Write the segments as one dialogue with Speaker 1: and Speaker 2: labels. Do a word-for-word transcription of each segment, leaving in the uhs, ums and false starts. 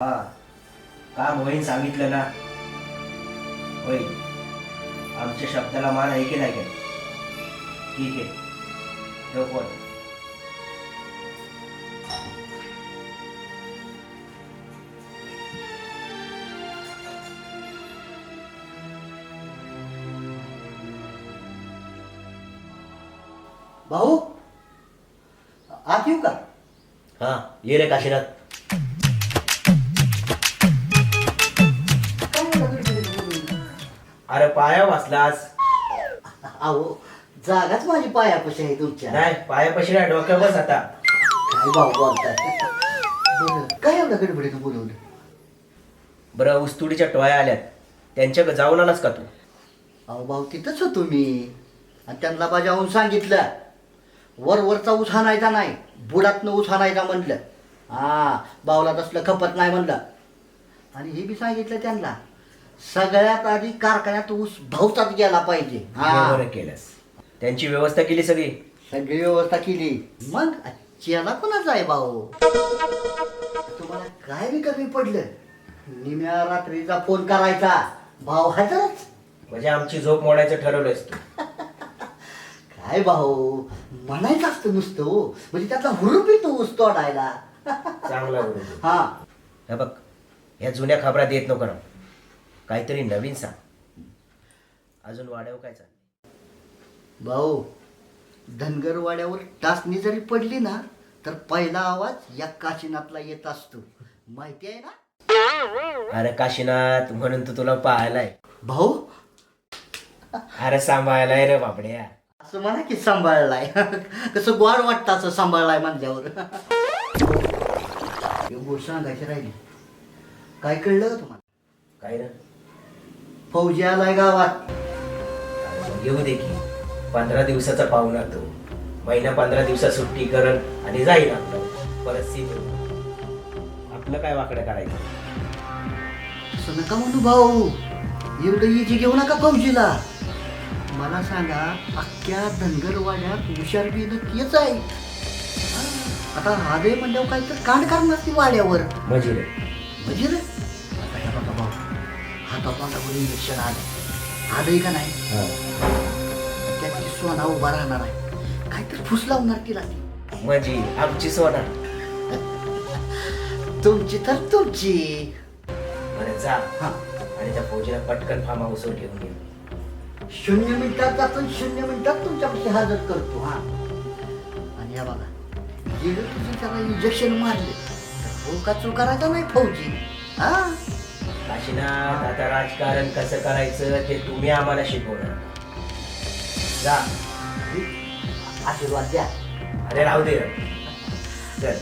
Speaker 1: हा काम होईन सांगितलं ना. होईल. आमच्या शब्दाला मान आहे की नाही काय? ठीक आहे, ठेव फोन.
Speaker 2: भाऊ आत येऊ का?
Speaker 1: हा ये रे काशीनाथ. अरे पाया वाचलास?
Speaker 2: अहो जागाच माझी पायापाशी आहे तुमच्या.
Speaker 1: नाही पायापाशी नाही, डोक्या बस आता.
Speaker 2: काय भाऊ बोलताय? बरं काय एवढं गडबडीनं बोलवलं?
Speaker 1: बरं ऊसतोडीच्या टोळ्या आल्यात, त्यांच्या जाऊन आलास का तू?
Speaker 2: अहो भाऊ तिथंच होतो मी आणि त्यांना बजावून सांगितलं वर वरचा ऊस हाणायचा नाही, बुडातनं ऊस हाणायचा म्हणलं. हा बावला तसलं खपत नाही म्हणलं. आणि हे बी सांगितलं त्यांना सगळ्यात आधी कारखान्यात ऊस भाऊचाच गेला पाहिजे. हा
Speaker 1: बरं केलंस. त्यांची व्यवस्था केली सगळी?
Speaker 2: सगळी व्यवस्था केली. मग चेला कोणाचा आहे भाऊ? तुम्हाला काय बी कमी पडलं निम्या रात्रीचा फोन करायचा, भाऊ हजरच.
Speaker 1: म्हणजे आमची झोप मोडायचं ठरवलंयस तू?
Speaker 2: काय भाऊ म्हणायचं असतं नुसतं हो, म्हणजे त्यातला हुरूप येतो ऊस तोडायला.
Speaker 1: चांगला बरोबर.
Speaker 2: हा
Speaker 1: हे बघ, ह्या जुन्या खबरा देत नको राव, काहीतरी नवीन सांग. अजून वाड्यावर काय चाललंय?
Speaker 2: भाऊ धनगर वाड्यावर टाचणी जरी पडली ना तर पहिला आवाज या काशीनाथला येत असतो, माहिती आहे ना?
Speaker 1: अरे काशीनाथ म्हणून तू तुला पाहायलाय.
Speaker 2: भाऊ
Speaker 1: अरे सांभाळायलाय रे बाबड्या.
Speaker 2: असं म्हणा की सांभाळलाय. कसं गोड वाटतं असं सांभाळलाय म्हणल्यावर. गोष्ट सांगायची राहिली. काय कळलं का तुम्हाला?
Speaker 1: काय रे?
Speaker 2: फौजी आलाय गावात.
Speaker 1: येऊ दे की, पंधरा दिवसाचा पाहुणा तो. महिना पंधरा दिवसात सुट्टी करल आणि जाईल आपलं परत सीट. आपलं काय वाकडं करायचं?
Speaker 2: असं नका म्हणू भाऊ, एवढं इजी घेऊ नका फौजीला. मला सांगा अख्ख्या धनगरवाड्यात हुशार बी नक्कीच आहे. आता राधे म्हणल्यावर काही तर कांड करणार ती वाड्यावर.
Speaker 1: म्हणजे रे
Speaker 2: म्हणजे रे आता ह्या बघा भाऊ, हातापाटावर इंजेक्शन आलं आलंय का नाही? त्यात ती सोना उभा राहणार आहे, काहीतरी फुस लावणार तिला ती.
Speaker 1: म्हणजे आमची सोना.
Speaker 2: तुमची तर तुमची.
Speaker 1: बरं जा
Speaker 2: हा
Speaker 1: आणि त्या फौजीला पटकन फार्म हाऊसवर घेऊन ये.
Speaker 2: शून्य मिनिटात आपण शून्य मिनिटात तुमच्यापाशी हजर करतो. हा आणि या बघा गेलं तुझी त्याला इंजेक्शन मारले तर हो का चूक करायचा नाही फौजी. हा
Speaker 1: काशीनाथ आता राजकारण कसं करायचं ते तुम्ही आम्हाला शिकवणार. जा.
Speaker 2: आशीर्वाद द्या.
Speaker 1: अरे राहू दे रे. चल.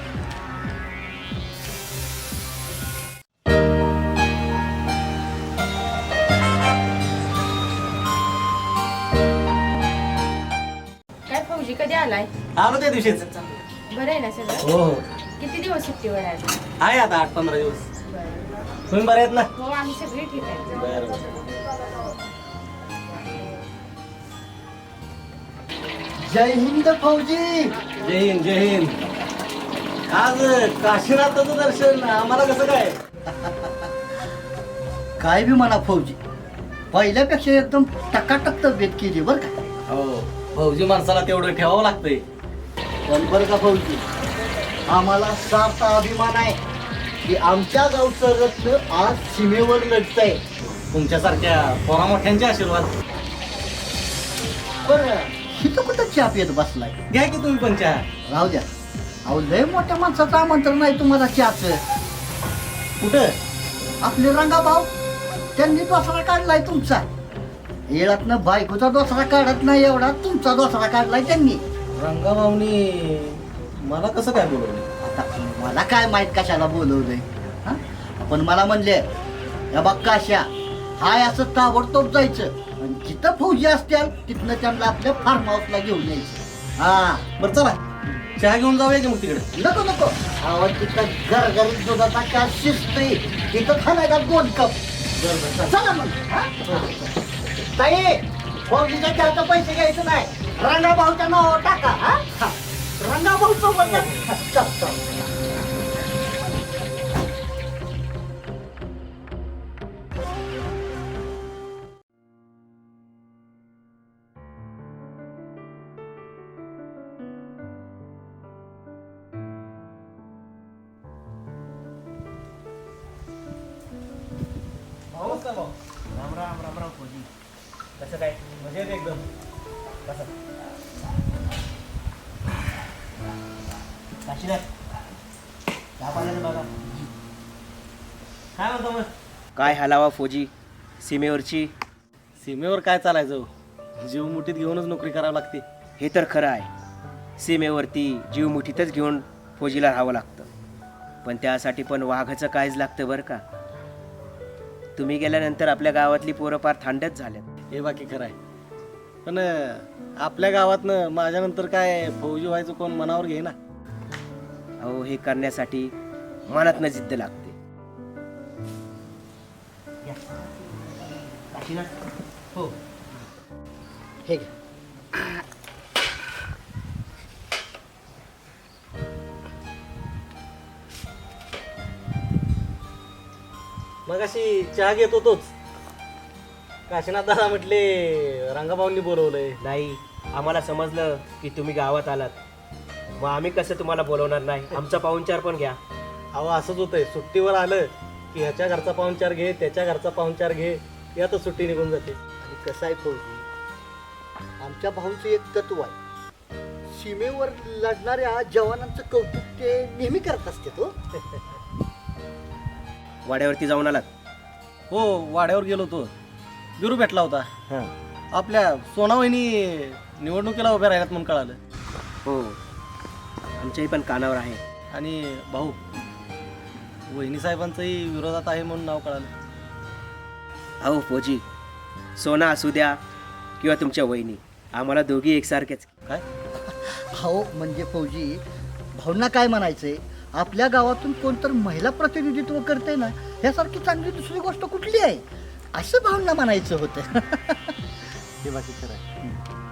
Speaker 3: काय फौजी कधी आलाय?
Speaker 4: आलो त्या दिवशीच.
Speaker 3: बरं आहे ना सगळं?
Speaker 4: हो हो
Speaker 3: किती दिवस सुट्टीवर आहे?
Speaker 4: आहे आता आठ पंधरा दिवस.
Speaker 3: बरं.
Speaker 4: तुम्ही बरे आहेत ना?
Speaker 3: हो आम्ही सगळे ठीक आहे.
Speaker 4: बरं.
Speaker 2: जय हिंद फौजी.
Speaker 4: जय हिंद जय हिंद. आज काशीनाथाचं दर्शन आम्हाला कसं काय?
Speaker 2: काय बी म्हणा फौजी, पहिल्यापेक्षा एकदम टकाटक तब्येत केली बरं का.
Speaker 4: हो फौजी माणसाला तेवढं ठेवावं लागतंय.
Speaker 2: पण बरं का फौजी, आम्हाला सार्थ अभिमान आहे की आमच्या गावचं रत्न आज सीमेवर लढतंय.
Speaker 4: तुमच्यासारख्या पोरा मोठ्यांचे आशीर्वाद.
Speaker 2: बरं हिथं कुठं चहा पित बसलाय?
Speaker 4: घ्या की तुम्ही पण चहा.
Speaker 2: राहू द्या. अहो लय मोठ्या माणसाचं आमंत्रण नाही तुम्हाला चहाचं.
Speaker 4: कुठं?
Speaker 2: आपले रंगाभाऊ त्यांनी दोसरा काढलाय तुमचा. येळातनं बायकोचा दोसरा काढत नाही एवढा तुमचा दोसरा काढलाय त्यांनी.
Speaker 4: रंगाभाऊनी मला कसं काय बोलवलं?
Speaker 2: आता मला काय माहित कशाला बोलवलंय. हा पण मला म्हणले या बघ काश्या हाय असं ताबडतोब जायचं आणि जिथं फौजी असतील तिथनं त्यांना आपल्या फार्म हाऊसला घेऊन यायचं. हा
Speaker 4: बरं चला चहा घेऊन जाऊया की मग तिकडे.
Speaker 2: नको नको आवाज तिथं गरगरीत दुधाचा काय शिजतोय तिथं खालाय दोन कप. चला मग. हा? ताई फौजीच्या चहाचं पैसे घ्यायचं नाही, रंगाभाऊच्या नावावर टाका. हा रंगाभाऊ सोबत चल चल.
Speaker 1: राम फौजी. कसं काय
Speaker 4: मजेत एकदम.
Speaker 1: कसं काशीनाथ चहा पाण्याचं बघा.
Speaker 4: काय म्हणतो मग?
Speaker 1: काय हलावा फौजी सीमेवरची.
Speaker 4: सीमेवर काय चालायचं? जीव मुठीत घेऊनच नोकरी करावी लागते.
Speaker 1: हे तर खरं आहे. सीमेवरती जीव मुठीतच घेऊन फौजीला राहावं लागतं. पण त्यासाठी पण वाघाचं कायच लागतं बरं का. तुम्ही गेल्यानंतर आपल्या गावातली पोरं फार थंडच झाल्यात.
Speaker 4: हे बाकी खरं आहे. पण अं, आपल्या गावातनं माझ्यानंतर काय फौजी व्हायचं कोण मनावर घे ना.
Speaker 1: अहो हे करण्यासाठी मनातनं जिद्द लागते.
Speaker 4: हो.
Speaker 2: हे घे.
Speaker 4: मग अशी चहा घेत होतोच. काशीनाथ दादा म्हटले रंगाभाऊंनी बोलवलंय.
Speaker 1: नाही आम्हाला समजलं की तुम्ही गावात आलात. मग आम्ही कसं तुम्हाला बोलवणार नाही. आमचा पाहुणचार पण घ्या.
Speaker 4: अहो असंच होतंय. सुट्टीवर आलं की ह्याच्या घरचा पाहुणचार घे, त्याच्या घरचा पाहुणचार घे, यातच सुट्टी निघून जाते.
Speaker 2: आणि कसं आहे फौजी, आमच्या भाऊचं एक तत्व आहे. सीमेवर लढणाऱ्या जवानांचं कौतुक ते नेहमी करत असते तो.
Speaker 1: वाड्यावरती जाऊन आलात?
Speaker 4: हो, वाड्यावर गेलो होतो. बिरू भेटला होता.
Speaker 1: हां.
Speaker 4: आपल्या सोनावहिनी निवडणुकीला उभ्या राहिल्यात म्हणून कळालं.
Speaker 1: हो आमच्याही पण कानावर आहे.
Speaker 4: आणि भाऊ वहिनी साहेबांचंही विरोधात आहे म्हणून नाव कळालं.
Speaker 1: अहो फौजी सोना असू द्या किंवा तुमच्या वहिनी, आम्हाला दोघी एकसारखेच.
Speaker 4: काय?
Speaker 2: हो म्हणजे फौजी भाऊंना काय म्हणायचंय, आपल्या गावातून कोणतर महिला प्रतिनिधित्व करते ना, ह्यासारखी चांगली दुसरी गोष्ट कुठली आहे असं भाऊंना म्हणायचं होतं.
Speaker 4: हे बाकी खरं आहे.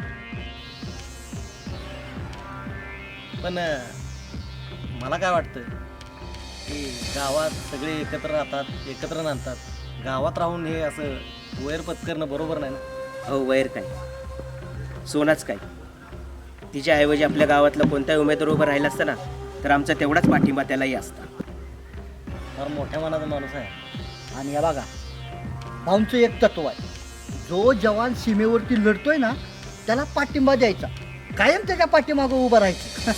Speaker 4: पण अं, मला काय वाटतं की गावात सगळे एकत्र राहतात, एकत्र नांदतात. गावात राहून हे असं वैर पत्करणं बरोबर नाही ना.
Speaker 1: अहो वैर काय, सोनाच काय. तिच्याऐवजी आपल्या गावातला कोणताही उमेदवार उभा राहिला असता ना तर आमचा तेवढाच पाठिंबा त्यालाही असता.
Speaker 4: फार मोठ्या मनाचा माणूस आहे.
Speaker 2: आणि या बघा भाऊंचं एक तत्व आहे, जो जवान सीमेवरती लढतोय ना त्याला पाठिंबा द्यायचा, कायम त्याच्या पाठीमागं उभं राहायचं.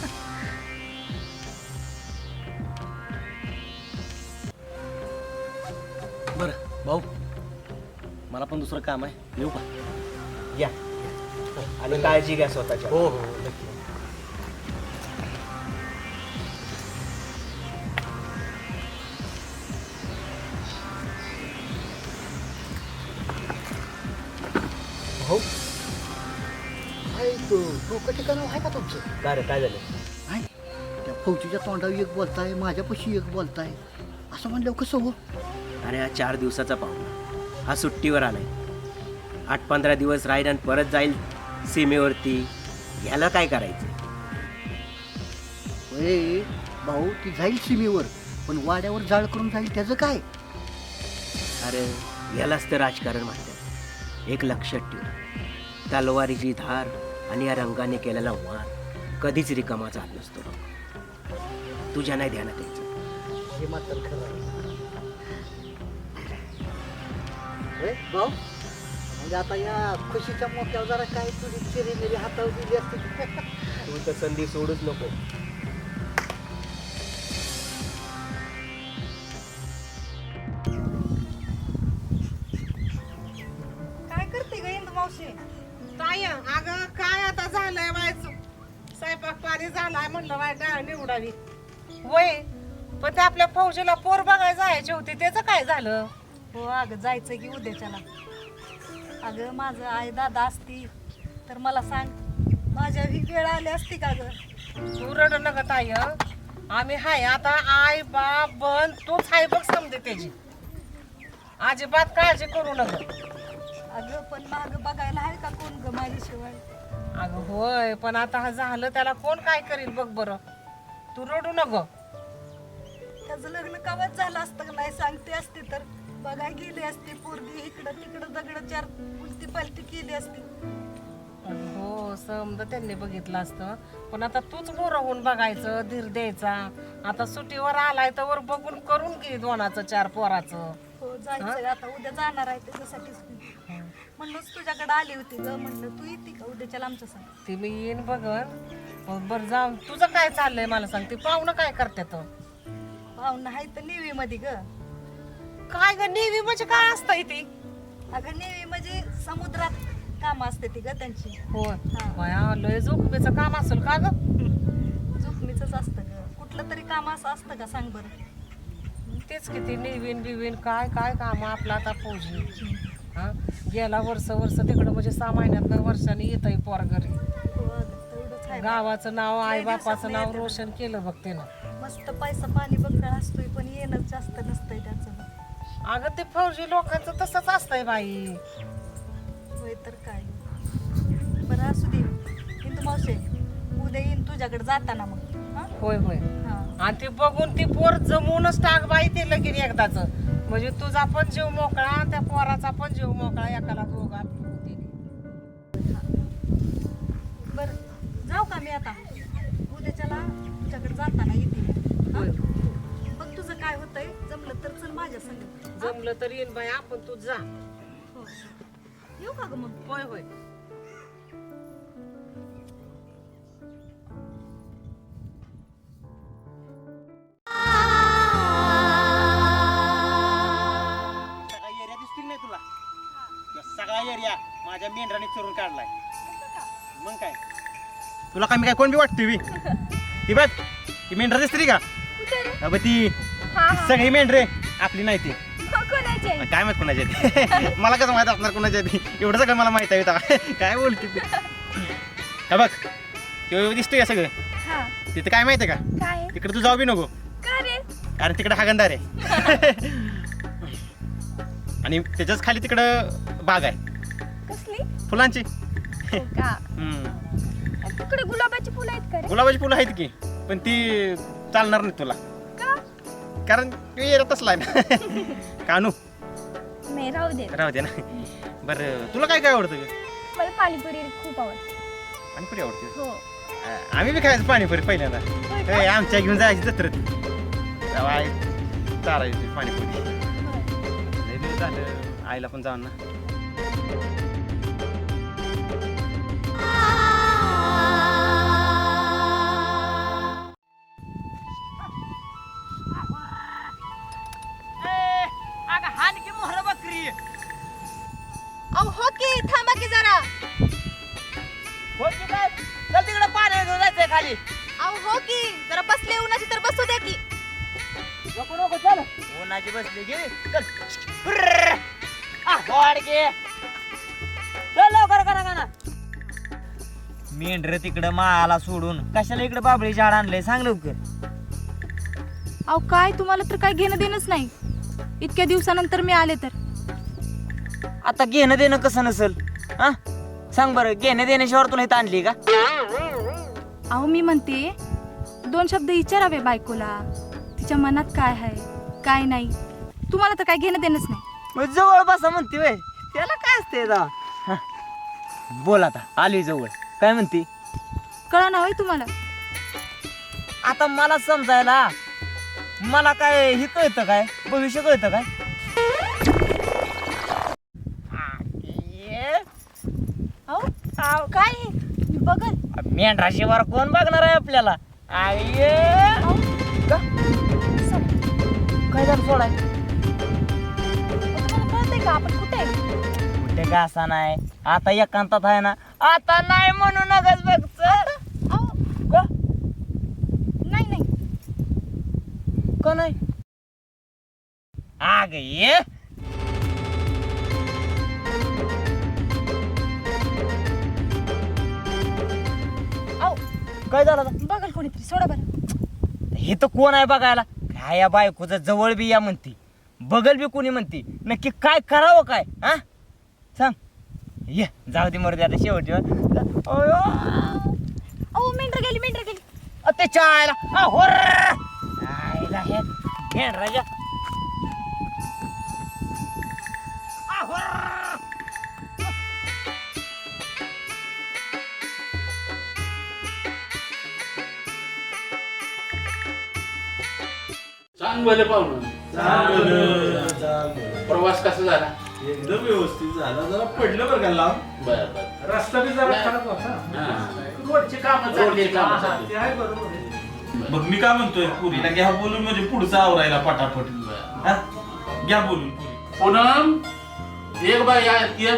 Speaker 4: बरं भाऊ, मला पण दुसरं काम आहे. येऊ का?
Speaker 1: या आणि काळजी घ्या स्वतःच्या.
Speaker 4: हो हो नक्की.
Speaker 2: भाऊ काय तो डोकं ठिकाणं आहे का तुमचं?
Speaker 1: काय रे काय झालं?
Speaker 2: नाही त्या फौजीच्या तोंडावर एक बोलताय, माझ्यापाशी एक बोलताय, असं म्हणल्यावर कसं हो?
Speaker 1: अरे हा चार दिवसाचा पाहुणा, हा सुट्टीवर आलाय. आठ पंधरा दिवस राहील आणि परत जाईल सीमेवरती. ह्याला काय करायचं?
Speaker 2: ए भाऊ ती जाईल सीमेवर, पण वाड्यावर जाळ करून जाईल त्याचं काय?
Speaker 1: अरे यालाच तर राजकारण म्हणतात. एक लक्षात ठेव, तलवारीची धार आणि या रंगाने केलेला वार कधीच रिकामा जात नसतो. तुझ्या नाही ध्यानात यायचं.
Speaker 2: हे मात्र खरं आहे. ए, भाऊ म्हणजे आता या खुशीच्या मोक्यावर जरा काय तुझी चिरी मेरी हातावर दिली असते.
Speaker 1: तू तर संधी सोडूच नको.
Speaker 5: काय करते ग इंदू मावशी? ताई अगं काय आता झालंय व्हायचं, स्वयंपाक पाणी झालाय म्हणलं वाय डाळ निवडावी वय, पण ते आपल्या फौजीला पोर बघायला जायचे होते, त्याचं काय झालं?
Speaker 6: हो अगं जायचं की उद्याच्याला. अगं माझं आई दादा असती तर मला सांग, माझ्या ही वेळ आली असती का ग?
Speaker 5: तू रड नका ताई, आम्ही हाय आता. आई बाप बन तूच हाय बघ समजे त्याची, अजिबात काळजी करू नका.
Speaker 6: अगं पण माग बघायला आहे का कोण ग माझ्याशिवाय?
Speaker 5: अगं होय, पण आता हा झालं त्याला कोण काय करील बघ बरं. तू रडू नको.
Speaker 6: त्याचं लग्न कवाच झालं असतं का नाही सांगते असते तर बघा गेली असती पोरगी, इकडं तिकडं दगड चार उलटी पलटी केली असती.
Speaker 5: हो समजा त्यांनी बघितलं असतं, पण आता तूच मोर होऊन बघायचं, धीर द्यायचा. आता सुट्टीवर आलाय तर वर बघून करून घे दोनाचं चार पोराचं.
Speaker 6: हो जायचंय आता उद्या जाणार आहे त्याच्यासाठीच म्हणूनच तुझ्याकडे आली होती ग. म्हणलं तू येते का उद्याच्याला आमच्या संग?
Speaker 5: ते मी येईन बघन. मग बरं जाऊन तुझं काय चाललंय मला सांग. ते पाहुणं काय करतात?
Speaker 6: पाहुणं आहे तर नेव्ही मध्ये ग.
Speaker 5: काय ग नेव्ही म्हणजे काय असतं ती?
Speaker 6: अगं नेव्ही म्हणजे समुद्रात काम असते ती ग त्यांची.
Speaker 5: हो
Speaker 6: हा.
Speaker 5: बाया लय जोखमीचं काम असेल का ग?
Speaker 6: जोखमीच असतं ग. कुठलं तरी काम असं असतं का सांग बरं?
Speaker 5: तेच किती नेवीन बिवीन काय काय काम आपलं आता फौजी. हा गेला वर्ष वर्ष तिकडं म्हणजे सहा महिन्यात वर्षाने येत आहे पोर घरी.
Speaker 6: हो अगं, तेवढंच आहे.
Speaker 5: गावाचं नाव आई
Speaker 6: लय
Speaker 5: बापाचं
Speaker 6: दिवसातनं
Speaker 5: नाव
Speaker 6: येतं.
Speaker 5: रोशन केलं बघ त्यानं.
Speaker 6: मस्त पैसा पाणी बकरा असतोय पण येणं जास्त नसतंय त्याचं.
Speaker 5: अगं ते फौजी लोकांचं तसंच असतंय बाई.
Speaker 6: होय तर काय. बरं असू दे हिंदू मावशे उद्या येईन तुझ्याकडे जाताना मग. हा?
Speaker 5: होय होय.
Speaker 6: हा.
Speaker 5: आणि ते बघून ती पोर जमूनच टाक बाई ते लगीन एकदाच. म्हणजे तुझा पण जीव मोकळा त्या पोराचा पण जीव मोकळा एकाला दोघा होते.
Speaker 6: बरं जाऊ का मी आता उद्याच्याला तुझ्याकडे जाताना येते.
Speaker 5: होय.
Speaker 6: बघ तुझं काय होतंय जमलं तर चल माझ्या संग.
Speaker 5: जमलं तर येईन बाई आपण तू जा.
Speaker 6: हो. येऊ का ग मग?
Speaker 5: होय होय.
Speaker 4: सगळा एरिया दिसतील नाही तुला? या सगळा एरिया माझ्या मेंढराने चोरून काढलाय. मग काय तुला काय मी काय कोण बी वाटते बी? ती बघ ती मेंढरा दिसते का? अबे ती सगळी मेंढरे आपली नाही ती. काय माहित कोणाची आहे ती? मला कसं माहित असणार कोणाची आहे ती? एवढं सगळं मला माहित आहे आता. काय बोलते ती? हा बघ तेव्हा दिसतोय का सगळं? तिथं काय माहितीये का? तिकडे तू जाऊ बी नको कारण तिकडे हागंदार आहे. आणि त्याच्याच खाली तिकडं बाग आहे
Speaker 7: कसली
Speaker 4: फुलांची.
Speaker 7: हो का?
Speaker 4: हम्म.
Speaker 7: तिकडे गुलाबाची फुलं आहेत का रे?
Speaker 4: गुलाबाची फुलं आहेत की पण ती चालणार नाही तुला
Speaker 7: का?
Speaker 4: कारण तू येत असलाय ना. कानू
Speaker 7: नाही राहू दे.
Speaker 4: राहू दे ना. बरं तुला काय काय आवडतं ग?
Speaker 7: मला पाणीपुरी खूप आवडते.
Speaker 4: पाणीपुरी आवडते.
Speaker 7: हो.
Speaker 4: आ- आम्ही बी खायचं पाणीपुरी पहिल्यांदा.
Speaker 7: होय का?
Speaker 4: ए, आमच्या घेऊन जायची जत्रेत तेव्हा आई चालायची पाणीपुरी.
Speaker 7: होय.
Speaker 4: लय दिवस झालं आईला पण जाऊन ना.
Speaker 7: अहो हो की थांबा की जरा.
Speaker 4: चल तिकडे पाणी घेऊन जायचंय खाली.
Speaker 7: अहो हो की जरा बसले उन्हाची तर बसू द्या की.
Speaker 4: नको नको चल. उन्हाची बसली गे चल. हुर्र. आ, वाढ गे. चल लवकर करा का ना. मेंढर तिकडं माळाला सोडून कशाला इकडे बाबळी झाड आणलंय सांग लवकर.
Speaker 7: अहो काय तुम्हाला तर काय घेणं देणंच नाही. इतक्या दिवसानंतर मी आले तर.
Speaker 8: आता घेणं देणं कसं नसल हा सांग बरं. घेणं देण्याशिवाय तुला इथं आणली का?
Speaker 7: अहो मी म्हणते दोन शब्द विचारावे बायकोला. तिच्या मनात काय आहे काय नाही. तुम्हाला तर काय घेणं देणंच नाही.
Speaker 8: मग जवळ बसा म्हणते वय त्याला काय असते आता. हा. बोल आता आली जवळ काय म्हणते?
Speaker 7: कळा ना होय तुम्हाला.
Speaker 8: आता मला समजायला मला काय हे कळतं काय भविष्य कळतं काय?
Speaker 7: अहो अहो, काय हे? मी बघन.
Speaker 8: मेंढराशी वर कोण बघणार आहे आपल्याला? आये
Speaker 7: अहो,
Speaker 8: काय झालं सोडाय
Speaker 7: अहो, तुम्हाला कळतंय का आपण कुठे आहे?
Speaker 8: कुठे का असा नाही आता एकांतात आहे ना. आता नाही म्हणू नकच बघ चल.
Speaker 7: अहो
Speaker 8: का?
Speaker 7: नाही नाही.
Speaker 8: का नाही? आग ये
Speaker 7: अहो
Speaker 8: काय झालं आता?
Speaker 7: बघल कोणीतरी सोडा बरं.
Speaker 8: हे तर कोण आहे बघायला? काय या बायकोचं जवळ बी या म्हणती बगल बी कोणी म्हणती. नक्की काय करावं काय हा सांग. ये जाऊ दे मरू दे आता शेवटी. अयो
Speaker 7: अहो मेंढर गेली मेंढर गेली.
Speaker 8: अ, ते चायला आ, होर. आईला हे घेण राजा. आ, होर.
Speaker 9: चांग भले पाहुणं प्रवास कसा झाला?
Speaker 10: एकदम व्यवस्थित झाला. जरा पडलं बरं का लांब.
Speaker 9: बर बर.
Speaker 10: रस्ता बी जरा खराब होता.
Speaker 9: रोडची कामं
Speaker 10: रोडची
Speaker 9: चालली
Speaker 10: कामं
Speaker 9: का?
Speaker 10: चालली. ते आहे बरोबर आहे. मग मी काय म्हणतोय पुरीला घ्या बोलून म्हणजे पुढचं आवरायला पटापट. हा? घ्या बोलून पुरी.
Speaker 9: पूनम एक बाय या ये.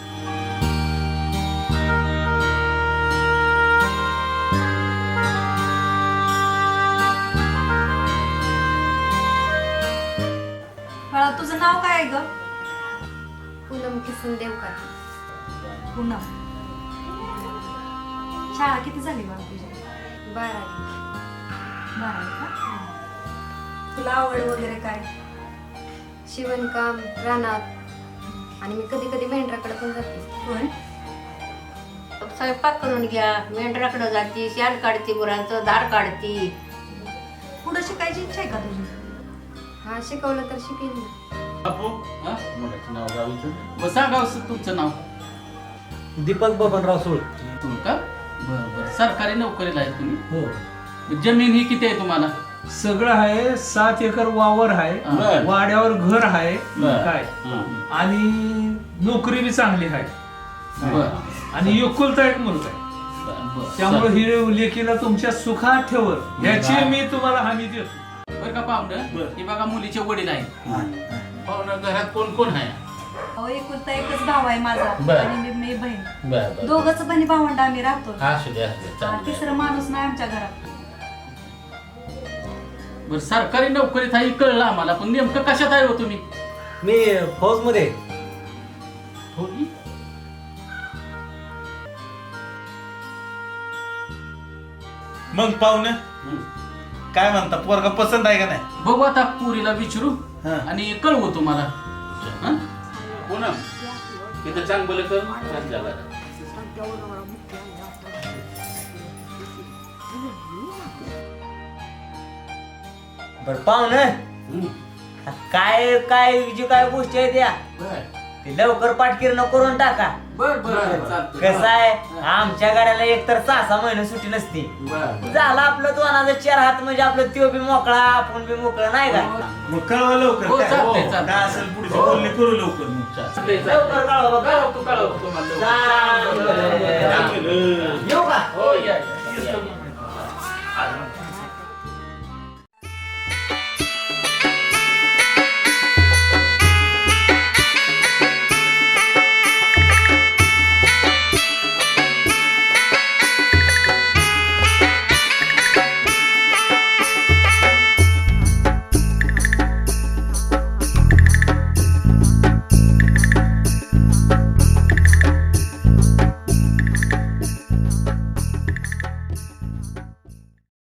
Speaker 6: बाळा तुझं नाव काय आहे ग?
Speaker 3: पूनम किसन देवकर.
Speaker 6: पूनम. शाळा किती झाली बाळा तुझी?
Speaker 3: बारावी.
Speaker 6: बारावी का? तुला आवड वगैरे काय?
Speaker 3: शिवणकाम, रानात आणि मी कधी कधी मेंढराकडे पण जाते.
Speaker 6: होय.
Speaker 11: स्वयंपाक करून घ्या, मेंढराकडे जाती, शान काढती, गुरांचं धार काढती.
Speaker 6: पुढे शिकायची इच्छा आहे का तुझी?
Speaker 3: हा शिकवलं तर शिकेल ना.
Speaker 9: बापू हा मुलाचं नाव गावीचं. मग सांगा असं तुमचं नाव.
Speaker 2: दीपक बबनराव सोळ.
Speaker 9: तू का? बर बर. सरकारी नोकरीला आहे तुम्ही?
Speaker 10: हो.
Speaker 9: जमीन ही किती आहे तुम्हाला?
Speaker 10: सगळं आहे. सात एकर वावर आहे.
Speaker 9: बर.
Speaker 10: वाड्यावर घर आहे.
Speaker 9: बर.
Speaker 10: काय
Speaker 9: हं.
Speaker 10: आणि नोकरी बी चांगली आहे.
Speaker 9: बर
Speaker 10: आणि एकुलता एक मुलगा आहे.
Speaker 9: बर बर.
Speaker 10: त्यामुळे ही लेकीला तुमच्या सुखात ठेवत याची मी तुम्हाला हमी देतो.
Speaker 9: बर का पाहुणं? हे बघा मुलीचे वडील आहेत. पाहुणं घरात कोण कोण आहे?
Speaker 6: अहो एकुलता एकच भाव आहे माझा
Speaker 9: बर.
Speaker 6: आणि मी मी बहीण.
Speaker 9: बर बर.
Speaker 6: दोघच बहिणी भावंड आम्ही राहतो.
Speaker 9: असू दे असू दे
Speaker 6: हा,
Speaker 9: चालेल.
Speaker 6: तिसरं माणूस नाही आमच्या घरात.
Speaker 9: बर सरकारी नोकरीत आहे कळलं आम्हाला, पण नेमकं कशात आहे हो तुम्ही?
Speaker 2: मी फौज मध्ये.
Speaker 9: हो की?
Speaker 10: मग पाहुणे काय म्हणता पोरगा पसंत आहे का नाही?
Speaker 9: बघू आता पुरीला विचारू
Speaker 10: हा.
Speaker 9: आणि कळवू तुम्हाला. हं? पूनम तिथं चांगलं कर. चांगलं कर.
Speaker 8: बरं पाहुणे
Speaker 9: हं.
Speaker 8: काय काय जी काय गोष्टी आहेत त्या
Speaker 9: बर
Speaker 8: ते लवकर पाठकिरण करून टाका.
Speaker 9: बर बर चालतंय.
Speaker 8: कसं आहे आमच्या गाड्याला एक तर सहा सहा महिने सुट्टी नसते.
Speaker 9: बर
Speaker 8: झालं आपलं दोनाचं चार हात म्हणजे आपलं त्यो बी मोकळा आपण बी मोकळं नाही का?
Speaker 10: मग कळवा लवकर.
Speaker 9: हो,
Speaker 10: काय?
Speaker 9: चालतंय,
Speaker 10: हो,
Speaker 9: चालतंय.
Speaker 10: काय असेल पुढची बोलणी करू लवकर मग.
Speaker 9: चालतंय,
Speaker 8: लवकर
Speaker 9: चालतंय.
Speaker 8: कळवा बघा.
Speaker 9: कळवतो, कळवतो तुम्हाला.
Speaker 8: चालेल.
Speaker 10: चालेल.
Speaker 8: येऊ का?
Speaker 9: हो या, या, या.